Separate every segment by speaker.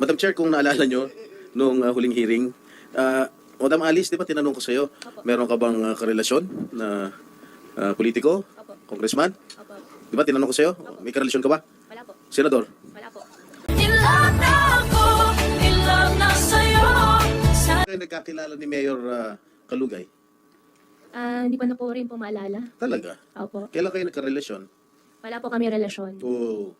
Speaker 1: Madam Chair, kung naalala nyo, nung huling hearing, Madam Alice, di ba tinanong ko sa'yo,
Speaker 2: Opo.
Speaker 1: meron ka bang karelasyon na politiko,
Speaker 2: Opo.
Speaker 1: congressman?
Speaker 2: Opo.
Speaker 1: Di ba tinanong ko sa'yo, may karelasyon ka ba?
Speaker 2: Wala po.
Speaker 1: Senador?
Speaker 2: Wala po.
Speaker 3: Ilan na ako, ilan na sa'yo.
Speaker 1: Kayo nagkakilala ni Mayor Kalugay?
Speaker 2: Hindi pa na po rin po maalala.
Speaker 1: Talaga?
Speaker 2: Opo.
Speaker 1: Kailan kayo nagkarelasyon?
Speaker 2: Wala po kami relasyon.
Speaker 1: Oo.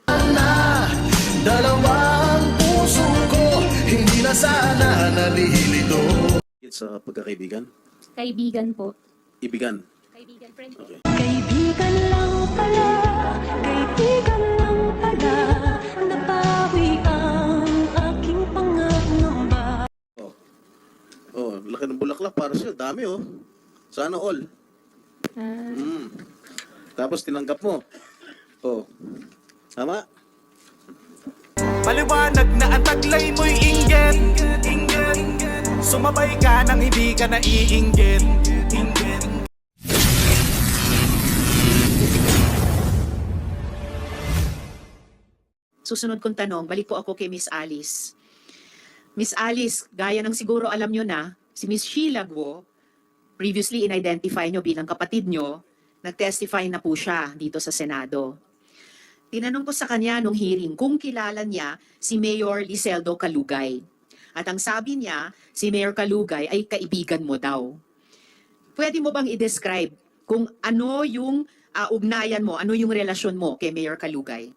Speaker 4: Dalawang puso ko, hindi na sana nalilito.
Speaker 1: Sa pagkakaibigan?
Speaker 2: Kaibigan po.
Speaker 1: Ibigan?
Speaker 2: Kaibigan, friend po.
Speaker 1: Okay.
Speaker 3: Kaibigan lang pala, kaibigan lang pala. Nabawi ang aking pangangamba.
Speaker 1: Oh, laki ng bulaklak para sa'yo. Dami oh. Sana all. Tapos tinanggap mo. Oh. Tama?
Speaker 4: Paliwanag na ang taglay mo'y inggit. Sumabay ka nang hindi ka naiinggit.
Speaker 5: Susunod kong tanong, balik po ako kay Miss Alice. Miss Alice, gaya ng siguro alam nyo na, si Miss Sheila Guo, previously in-identify nyo bilang kapatid nyo, nag-testify na po siya dito sa Senado. Tinanong ko sa kanya nung hearing kung kilala niya si Mayor Liseldo Calugay. At ang sabi niya, si Mayor Calugay ay kaibigan mo daw. Pwede mo bang i-describe kung ano yung ugnayan mo, ano yung relasyon mo kay Mayor Calugay?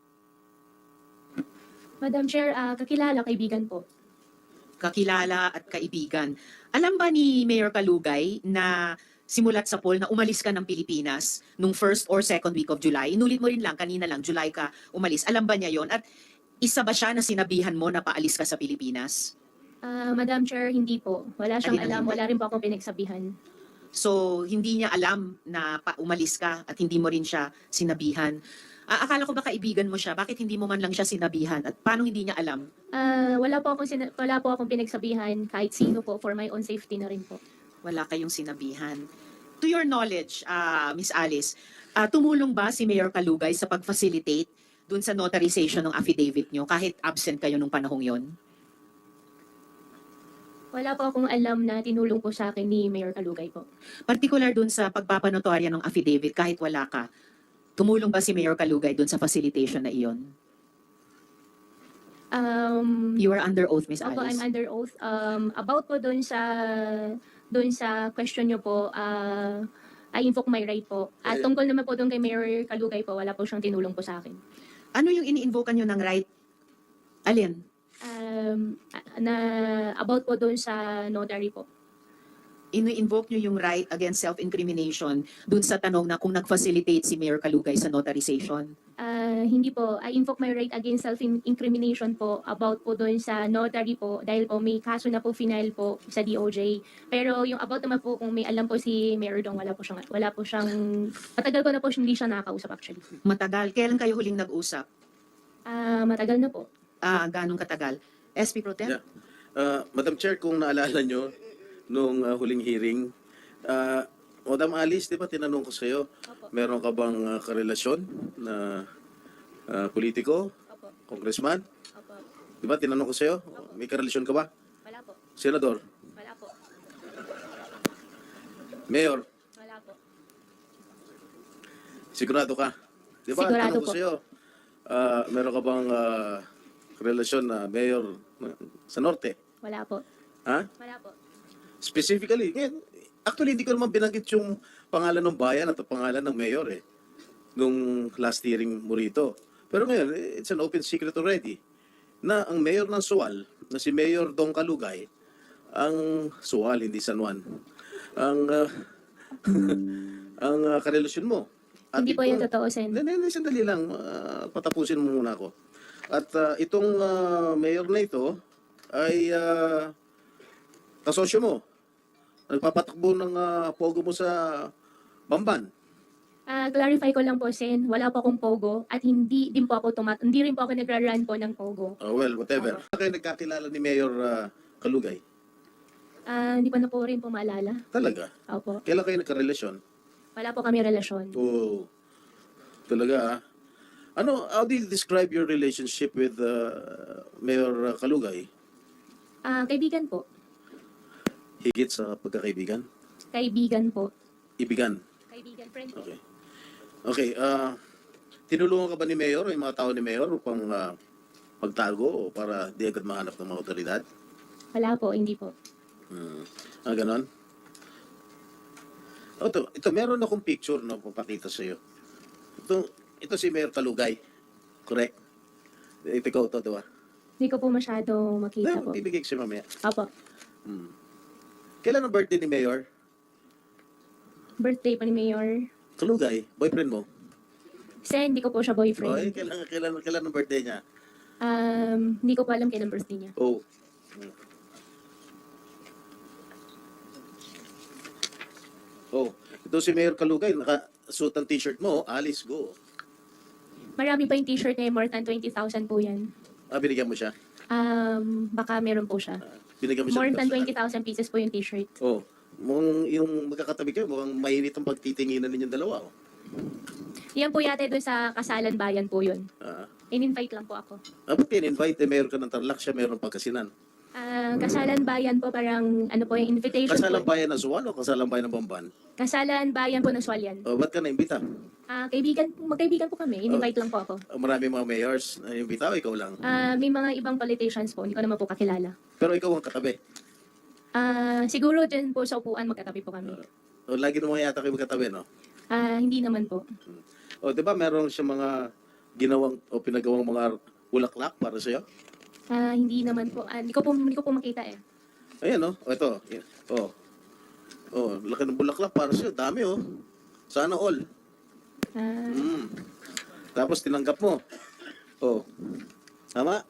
Speaker 2: Madam Chair, kakilala, kaibigan po.
Speaker 5: Kakilala at kaibigan. Alam ba ni Mayor Calugay na simulat sa poll na umalis ka ng Pilipinas nung first or second week of July? Inulit mo rin lang, kanina lang, July ka umalis. Alam ba niya yon? At isa ba siya na sinabihan mo na paalis ka sa Pilipinas?
Speaker 2: Madam Chair, hindi po. Wala siyang
Speaker 5: Hindi na
Speaker 2: alam.
Speaker 5: hindi.
Speaker 2: Wala rin po akong pinagsabihan.
Speaker 5: So, hindi niya alam na umalis ka at hindi mo rin siya sinabihan. Akala ko ba kaibigan mo siya? Bakit hindi mo man lang siya sinabihan? At paano hindi niya alam?
Speaker 2: Wala po akong pinagsabihan kahit sino po for my own safety na rin po.
Speaker 5: Wala kayong sinabihan. To your knowledge, Miss Alice, tumulong ba si Mayor Calugay sa pag-facilitate dun sa notarization ng affidavit nyo kahit absent kayo nung panahong yon?
Speaker 2: Wala po akong alam na tinulong po sa akin ni Mayor Calugay po.
Speaker 5: Particular dun sa pagpapanotorya ng affidavit kahit wala ka, tumulong ba si Mayor Calugay dun sa facilitation na iyon? You are under oath, Miss
Speaker 2: Opo, I'm
Speaker 5: Alice.
Speaker 2: under oath. About po doon sa question nyo po, I invoke my right po. At tungkol naman po doon kay Mayor Calugay po, wala po siyang tinulong po sa akin.
Speaker 5: Ano yung ini-invoke nyo ng right? Alin?
Speaker 2: About po doon sa notary po.
Speaker 5: Ini-invoke nyo yung right against self-incrimination dun sa tanong na kung nag-facilitate si Mayor Calugay sa notarization.
Speaker 2: Hindi po. I invoke my right against self-incrimination po about po doon sa notary po dahil po may kaso na po final po sa DOJ. Pero yung about naman po kung may alam po si Mayor Dong, wala po siyang, matagal ko na po hindi siya nakakausap actually.
Speaker 5: Matagal. Kailan kayo huling nag-usap?
Speaker 2: Matagal na po.
Speaker 5: Ganong katagal? SP Pro Tem?
Speaker 1: Yeah. Madam Chair, kung naalala nyo, nung huling hearing, Madam Alice, di ba tinanong ko sa'yo,
Speaker 2: Opo.
Speaker 1: meron ka bang karelasyon na politiko,
Speaker 2: Opo.
Speaker 1: congressman?
Speaker 2: Opo.
Speaker 1: Di ba tinanong ko sa'yo, may karelasyon ka ba?
Speaker 2: Wala po.
Speaker 1: Senador?
Speaker 2: Wala po.
Speaker 1: Mayor?
Speaker 2: Wala po.
Speaker 1: Sigurado ka? Di ba?
Speaker 2: Sigurado
Speaker 1: Tanong ko
Speaker 2: po.
Speaker 1: sa'yo, meron ka bang relasyon na mayor sa Norte?
Speaker 2: Wala po.
Speaker 1: Ha?
Speaker 2: Wala po.
Speaker 1: Specifically, actually hindi ko naman binanggit yung pangalan ng bayan at ang pangalan ng mayor nung last hearing mo rito. Pero ngayon, it's an open secret already na ang mayor ng Sual, na si Mayor Dong Calugay, ang Sual, hindi San Juan, ang ang karelasyon mo. At
Speaker 2: Hindi po yan totoo, Sen.
Speaker 1: Hindi, sandali lang. Patapusin mo muna ako. At itong mayor na ito ay kasosyo mo. Nagpapatakbo ng pogo mo sa Bamban.
Speaker 2: Clarify ko lang po, Sen. Wala po akong pogo at hindi din po ako hindi rin po ako nagra-run po ng pogo.
Speaker 1: Well, whatever. Kayo nagkakilala ni Mayor Calugay?
Speaker 2: Hindi pa na po rin po maalala.
Speaker 1: Talaga?
Speaker 2: Opo.
Speaker 1: Kailan kayo nagkarelasyon?
Speaker 2: Wala po kami relasyon.
Speaker 1: Oo. Talaga How do you describe your relationship with Mayor Kalugay?
Speaker 2: Kaibigan po.
Speaker 1: Higit sa pagkakaibigan?
Speaker 2: Kaibigan po.
Speaker 1: Ibigan?
Speaker 2: Kaibigan, friend po.
Speaker 1: Okay. Okay, tinulungan ka ba ni Mayor o yung mga tao ni Mayor upang magtago o para di agad mahanap ng mga otoridad?
Speaker 2: Wala po, hindi po.
Speaker 1: Ganon? Ito, meron akong picture na papakita sa iyo. Ito si Mayor Kalugay. Correct? Ikaw to, diba?
Speaker 2: Hindi ko po masyado makita po.
Speaker 1: Bibigay ko siya mamaya.
Speaker 2: Opo.
Speaker 1: Kailan ang birthday ni Mayor?
Speaker 2: Birthday pa ni Mayor.
Speaker 1: Kalugay, boyfriend mo?
Speaker 2: Kasi hindi ko po siya
Speaker 1: Oy,
Speaker 2: boyfriend.
Speaker 1: kailan ang birthday niya?
Speaker 2: Hindi ko po alam kailan birthday niya.
Speaker 1: Oh. Oh, ito si Mayor Kalugay, naka-suit ang t-shirt mo, Alice, go.
Speaker 2: Marami pa yung t-shirt niya, more than 20,000 po yan.
Speaker 1: Binigyan mo siya?
Speaker 2: Baka meron po siya.
Speaker 1: Binigyan mo siya?
Speaker 2: More
Speaker 1: ng
Speaker 2: than
Speaker 1: personal?
Speaker 2: 20,000 pieces po yung t-shirt.
Speaker 1: Oh, mukhang yung magkakatabi kayo, mukhang mainit ang pagtitinginan ninyong dalawa. Oh.
Speaker 2: Yan po yate doon sa Kasalan Bayan po yun. In-invite lang po ako.
Speaker 1: Ba't in-invite? Mayor ka ng Tarlac, siya meron Pangasinan.
Speaker 2: Kasalan Bayan po parang ano po yung invitation
Speaker 1: Kasalang
Speaker 2: po.
Speaker 1: bayan ng Suwan o kasalang bayan ng Bamban?
Speaker 2: Kasalan Bayan po ng Swalyan.
Speaker 1: Ba't ka na-imbita?
Speaker 2: Magkaibigan po kami. In-invite lang po ako.
Speaker 1: Marami mga mayors na imbita o ikaw lang?
Speaker 2: May mga ibang politicians po, hindi ko naman po kakilala.
Speaker 1: Pero ikaw ang katabi.
Speaker 2: Siguro dyan po sa upuan magkatabi po kami.
Speaker 1: Lagi naman yata kayo magkatabi, no?
Speaker 2: Hindi naman po.
Speaker 1: Di ba meron siya mga ginawang o pinagawang mga bulaklak para sa'yo?
Speaker 2: Hindi naman po. Hindi ko po makita eh.
Speaker 1: Ayan, no? Ito. Laki ng bulaklak para sa'yo. Dami, oh. Sana all. Tapos tinanggap mo. Tama?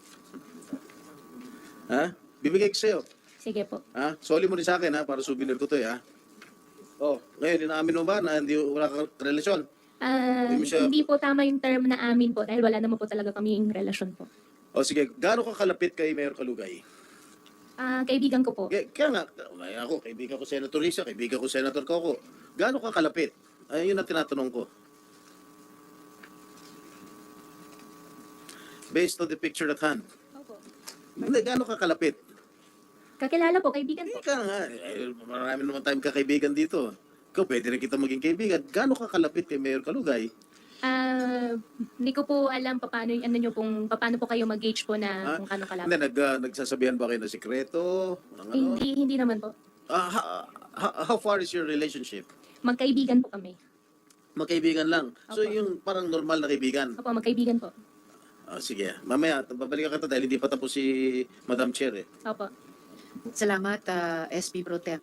Speaker 1: Bibigay ko sa'yo.
Speaker 2: Sige po.
Speaker 1: Soli mo rin sa akin, para souvenir ko to, ngayon, inaamin mo ba na wala kang relasyon? Hindi mo siya-
Speaker 2: Hindi po tama yung term na amin po dahil wala naman po talaga kaming relasyon po.
Speaker 1: Sige, gaano ka kalapit kay Mayor Kalugay?
Speaker 2: Kaibigan ko po.
Speaker 1: Kaya nga, ako, kaibigan ko Senator Risa, kaibigan ko Senator Coco. Gaano ka kalapit? Yun ang tinatanong ko. Based on the picture at hand.
Speaker 2: Opo.
Speaker 1: Hindi, gaano ka kalapit?
Speaker 2: Kakilala po, kaibigan po.
Speaker 1: Ika nga, marami naman tayong kakaibigan dito. Ikaw, pwede rin kita maging kaibigan. Gaano ka kalapit kay Mayor Kalugay?
Speaker 2: Hindi ko po alam paano yung ano nyo paano po kayo mag-gauge po na kung kano kalapit.
Speaker 1: Hindi, nagsasabihan ba kayo ng sikreto? Ng ano?
Speaker 2: Hindi naman po.
Speaker 1: How far is your relationship?
Speaker 2: Magkaibigan po kami.
Speaker 1: Magkaibigan lang. So,
Speaker 2: Opo.
Speaker 1: yung parang normal na kaibigan.
Speaker 2: Opo, magkaibigan po.
Speaker 1: Sige. Mamaya, babalikan ka dahil hindi pa tapos si Madam Chair.
Speaker 2: Opo.
Speaker 5: Salamat, SP Pro Tem.